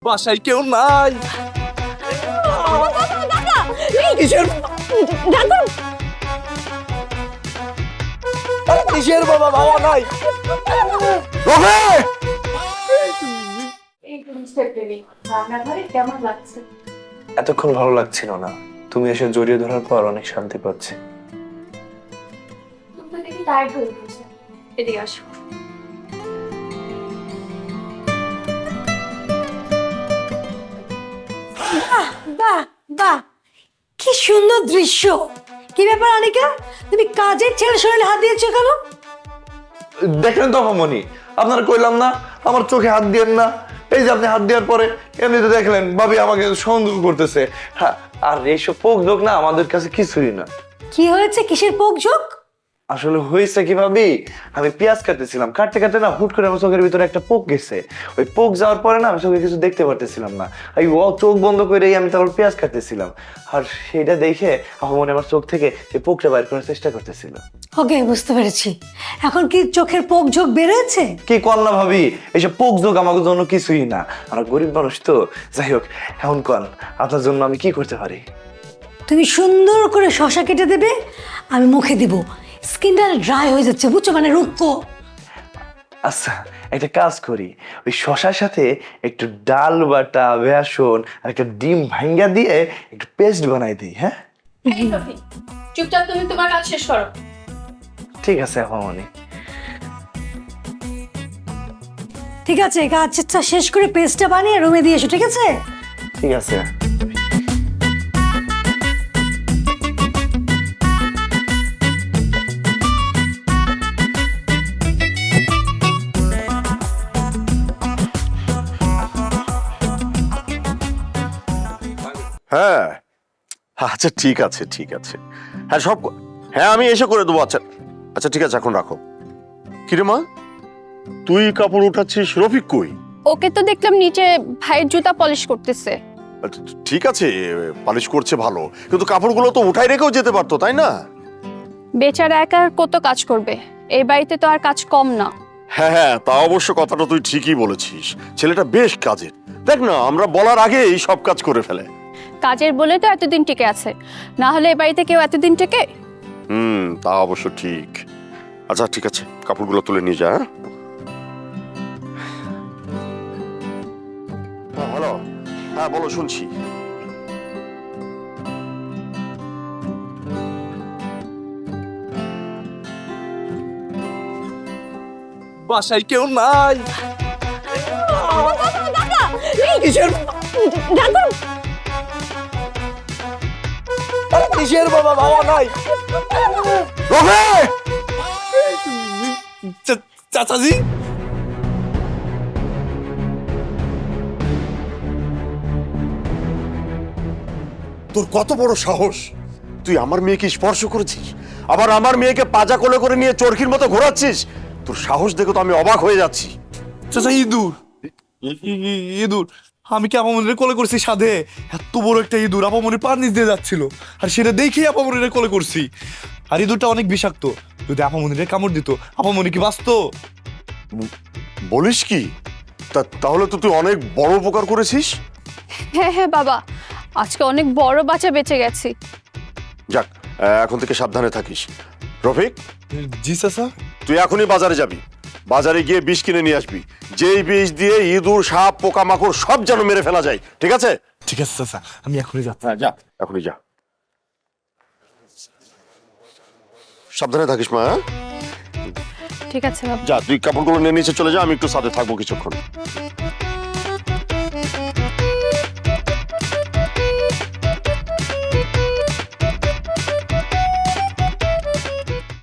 বাসায় কেউ নাই। কিসের কিসের বাবা, বাবা নাই। কেমন লাগছে? এতক্ষণ ভালো লাগছিল না, তুমি এসে জড়িয়ে ধরার পর অনেক শান্তি পাচ্ছি। তুমি দেখি টায়ার্ড হয়ে গেছে, এদিকে আসো। বাহ বাহ, কি সুন্দর দৃশ্য। কি ব্যাপার অনিকা, তুমি কাজের ছেলে শরীরে হাত দিয়েছো কেন? দেখলেন তো মামনি, আপনারা কইলাম না আমার চোখে হাত দিয়েন না। এই যে আপনি হাত দেওয়ার পরে এমনিতে দেখলেন ভাবি আমাকে সন্দেহ করতেছে। হ্যাঁ, আর এইসব পোক যোগ না আমাদের কাছে কিছুই না। কি হয়েছে, কিসের পোকঝোক? আসলে হয়েছে কি ভাবি, আমি পেঁয়াজ কাটতেছিলাম, কাটতে কাটতে না হুট করে আমার চোখের ভিতরে একটা পোক গেছে। ওই পোক যাওয়ার পরে না আমি চোখে কিছু দেখতে পারতেছিলাম না। এই চোখ বন্ধ করেই আমি তারপর পেঁয়াজ কাটতেছিলাম, আর সেটা দেখে আমার মনে আমার চোখ থেকে সেই পোকটা বাইর করার চেষ্টা করতেছিল। ওকে, বুঝতে পেরেছি। এখন কি চোখের পোকঝোক বেরোচ্ছে? কি কর না ভাবি, এইসব পোক যোগ আমাদের জন্য কিছুই না, আমরা গরিব মানুষ তো। যাই হোক, এখন কন আপনার জন্য আমি কি করতে পারি? তুমি সুন্দর করে শশা কেটে দেবে, আমি মুখে দিব। স্কিনটা ড্রাই হয়ে যাচ্ছে, বুঝছো, মানে রুক্ষ। আচ্ছা, একটা কাজ করি, ওই শশার সাথে একটু ডাল বাটা, বেসন আর একটা ডিম ভাঙ্গা দিয়ে একটু পেস্ট বানাই দিই। হ্যাঁ চুপচাপ তুমি তোমার কাজ শেষ করো। ঠিক আছে আপামনি। ঠিক আছে, কাজটা শেষ করে পেস্টটা বানিয়ে রুমে দিয়ে এসো, ঠিক আছে? ঠিক আছে। হ্যাঁ আচ্ছা, ঠিক আছে ঠিক আছে। হ্যাঁ হ্যাঁ আমি এসে করে দেবো। আচ্ছা আচ্ছা ঠিক আছে, এখন রাখো। কিরে মা, তুই কাপড় উঠাচ্ছিস, রফিক কই? ওকে তো দেখলাম নিচে ভাইয়ের জুতা পলিশ করতেছে। আচ্ছা, ঠিক আছে, পালিশ করছে ভালো, কিন্তু কাপড়গুলো তো উঠাই রেখেও যেতে পারতো, তাই না? বেচারা একা আর কত কাজ করবে, এই বাড়িতে তো আর কাজ কম না। হ্যাঁ হ্যাঁ, তা অবশ্য কথাটা তুই ঠিকই বলেছিস। ছেলেটা বেশ কাজের, দেখ না আমরা বলার আগেই সব কাজ করে ফেলে। কাজের বলে তো এতদিন টিকে আছে, না হলে এই বাড়িতে কেউ এতদিন টেকে? তা অবশ্য ঠিক। আচ্ছা ঠিক আছে, কাপড়গুলো তুলে নিয়ে যা। হ্যাঁ হ্যালো, হ্যাঁ বলো, শুনছি। বাসায় কেউ নাই। কিসের কিসের বাবা, বাবা নাই। চাচাজি, তোর কত বড় সাহস, তুই আমার মেয়েকে স্পর্শ করেছিস, আবার আমার মেয়েকে পাজা কোলে করে নিয়ে চরকির মতো ঘোরাচ্ছিস। তোর সাহস দেখে তো আমি অবাক হয়ে যাচ্ছি। চাচা ইঁদুর, ইঁদুর। আমি কি আপামনির কোলে করছি সাধে? এত বড় একটা ইঁদুর আপামনির পার নিচ দিয়ে যাচ্ছিল, আর সেটা দেখেই আপামনির কোলে করছি। আর ইঁদুরটা অনেক বিষাক্ত, যদি আপামনির কামড় দিত আপামনি কি বাঁচতো? বলিস কি? তাহলে তো তুই অনেক বড় উপকার করেছিস। হ্যাঁ হ্যাঁ বাবা, আজকে অনেক বড় বাচ্চা বেঁচে গেছি। যাক, এখন থেকে সাবধানে থাকিস। রফিক, জি চাচা। তুই এখনই বাজারে যাবি, বাজারে গিয়ে বিষ কিনে নিয়ে আসবি, যেই বিষ দিয়ে ইঁদুর, সাপ, পোকামাকড় সব যেন মেরে ফেলা যায়, ঠিক আছে? ঠিক আছে চাচা, আমি এখনই যাচ্ছি। হ্যাঁ যা, এখনই যা। সাবধানে থাকিস মা। হ্যাঁ? ঠিক আছে বাবা। যা, তুই কাপড়গুলো নিয়ে নিচে চলে যা, আমি একটু সাথে থাকবো কিছুক্ষণ।